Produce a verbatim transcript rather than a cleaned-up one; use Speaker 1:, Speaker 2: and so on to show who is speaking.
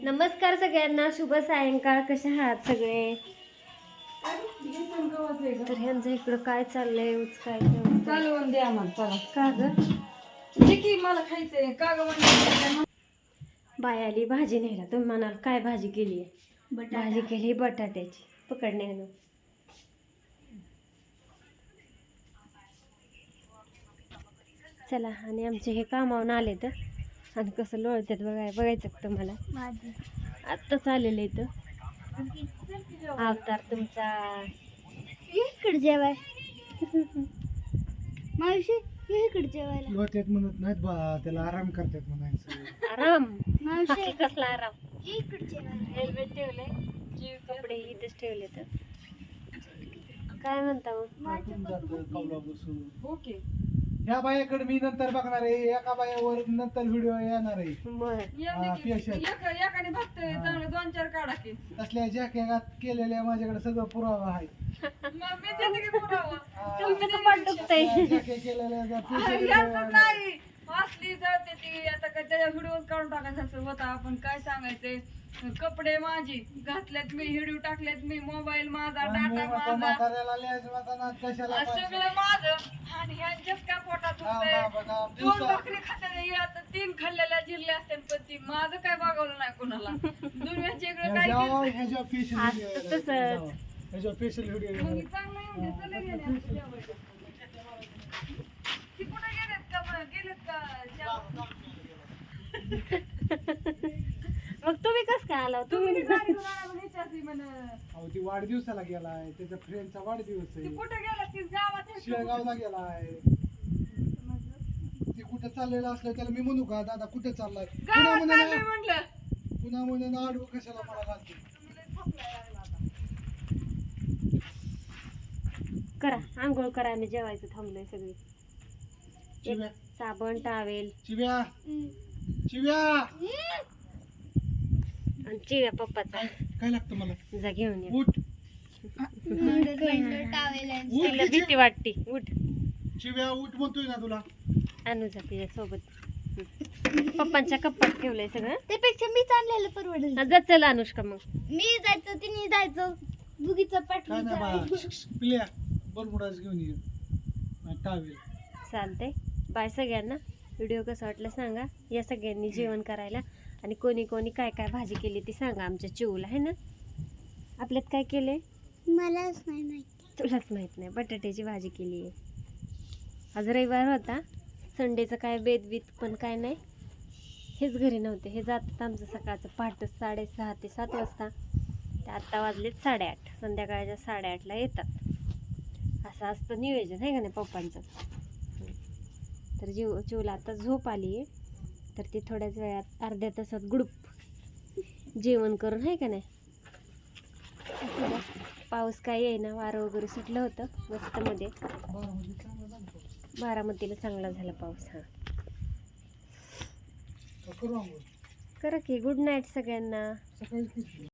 Speaker 1: नमस्कार सगळ्यांना, शुभ सायंकाळ. कशा आहात सगळे? तर ह्यांचं इकडं काय चाललंय? उचकायचं
Speaker 2: चालवून द्या मग. चला
Speaker 1: का ग?
Speaker 2: जे की मला खायचंय का ग म्हणजे
Speaker 1: बाय आली भाजी न्यायला. तुम्ही म्हणाल काय भाजी केली आहे? भाजी केली बटाट्याची. पकडणे चला. आणि आमचे हे कामावून आले तर आणि कसं लोळतात बघाय बघायचं का तुम्हाला? आत्ताच आलेलं इथं अवतार तुमचा. इकडे जेवाय मावशी, इकडे जेवायला
Speaker 3: लोट्यात म्हणत नाहीत बा, त्याला आराम करतात म्हणायचं.
Speaker 1: आराम? मावशी कसला आराम? इकडे जेवायला हेल्मेट ठेवलंय, जीव कपडे इथेच ठेवले. तर काय म्हणता मग?
Speaker 2: ओके.
Speaker 3: ह्या बायाकडे मी नंतर बघणार आहे, एका बायावर नंतर व्हिडिओ येणार आहे.
Speaker 2: एकाने बघतोय चांगलं दोन चार काढा की.
Speaker 3: तसल्या जॅकेट केलेल्या माझ्याकडे सगळं पुरावा आहे.
Speaker 2: मग मी देते की पुरावा.
Speaker 1: तुमचं कपाट दुखतंय.
Speaker 3: जॅकेट केलेल्या
Speaker 2: याचं नाही असली जळते ती. आता काय त्याच्या व्हिडिओ काढून टाकायचं असं होता. आपण काय सांगायचंय, कपडे माझी घातल्यात मी, व्हिडिओ टाकल्यात मी, मोबाईल माझा, डाटा माझा,
Speaker 3: कशाला
Speaker 2: सगळं माझं. आणि ह्यांच्याच काय पोटात दुखतंय. दोन भाकरी खात्याने आता तीन खाल्लेल्या जिरल्या असत्या, पण ती माझं काय बघवलं नाही कोणाला. दुनियाचे इकडे काय
Speaker 3: ह्याच्या स्पेशल व्हिडिओ ह्याच्या स्पेशल व्हिडिओ
Speaker 2: मग चांगलं आहे म्हणजे चला गेले जेवायला. ती कुठे गेलेत का मग? गेलेत का जेवायला?
Speaker 1: मग तुम्ही कसं काय आला? तुम्ही
Speaker 2: तुम्ही गाडी घेऊन आला म्हणून विचारते म्हण.
Speaker 3: अहो ती वाढदिवसाला गेलाय, त्याच्या फ्रेंडचा वाढदिवस
Speaker 2: ती
Speaker 3: आहे.
Speaker 2: कुठे गेला? ती गावात आहे.
Speaker 3: शेळगावला गेलाय. ती कुठं चाललेलं असलं त्याला मी म्हणू का, दादा कुठे चाललाय? पुन्हा
Speaker 2: गावात
Speaker 3: म्हणे
Speaker 2: चाललंय म्हटलं.
Speaker 3: पुन्हा म्हणे ना आडवं कशाला मला घालते.
Speaker 2: तुम्ही लय थकलाय लागला आता.
Speaker 1: करा आंघोळ करा. आम्ही जेवायचं थांबलोय सगळी.
Speaker 3: चिव्या
Speaker 1: साबण, टावेल
Speaker 3: चिव्या चिव्या
Speaker 1: आणि चिव्या पप्पाचा.
Speaker 3: काय लागतं मला?
Speaker 1: जा घेऊन ये.
Speaker 3: उठ
Speaker 1: तिला भीती वाटते. उठ
Speaker 3: चिव्या उठ म्हणतोय ना तुला.
Speaker 1: आणू जा तिच्या सोबत. पप्पांच्या कप्पात ठेवलंय सगळं.
Speaker 4: त्यापेक्षा मी चाललेलं परवडेल.
Speaker 1: हा, जा चल अनुष्का. मग
Speaker 4: मी जायचं, तिने जायचं, दुगीचं
Speaker 3: काय नाही बा,
Speaker 4: पाठ.
Speaker 3: पिल्या बरमुडाच घेऊन ये टावेल.
Speaker 1: चालतंय. बाय सगळ्यांना. व्हिडिओ कसा वाटला सांगा. या सगळ्यांनी जेवण करायला. आणि कोणी कोणी काय काय भाजी केली ती सांगा आमच्या चिवला, आहे ना? आपल्यात काय केलंय
Speaker 4: मलाच नाही माहिती.
Speaker 1: तुलाच माहित नाही. बटाट्याची भाजी केली आहे. आज रविवार होता. संडेचं काय बेत बीत पण काय नाही. हेच घरी नव्हते. हे जातात आमचं सकाळचं पहाटे साडेसहा ते सात वाजता. ते आत्ता वाजलेत साडेआठ. संध्याकाळच्या साडेआठला येतात. असं असतं नियोजन, आहे का नाही पप्पांचं? तर जीव चिवला आता झोप आली आहे. तर ती थोड्याच वेळात अर्ध्या तासात गुडूप जेवण करून, आहे का नाही? पाऊस काय येईना, वारं वगैरे सुटलं होतं मस्त मध्ये. बारामतीला चांगला झाला पाऊस. हा करा की. गुड नाईट सगळ्यांना.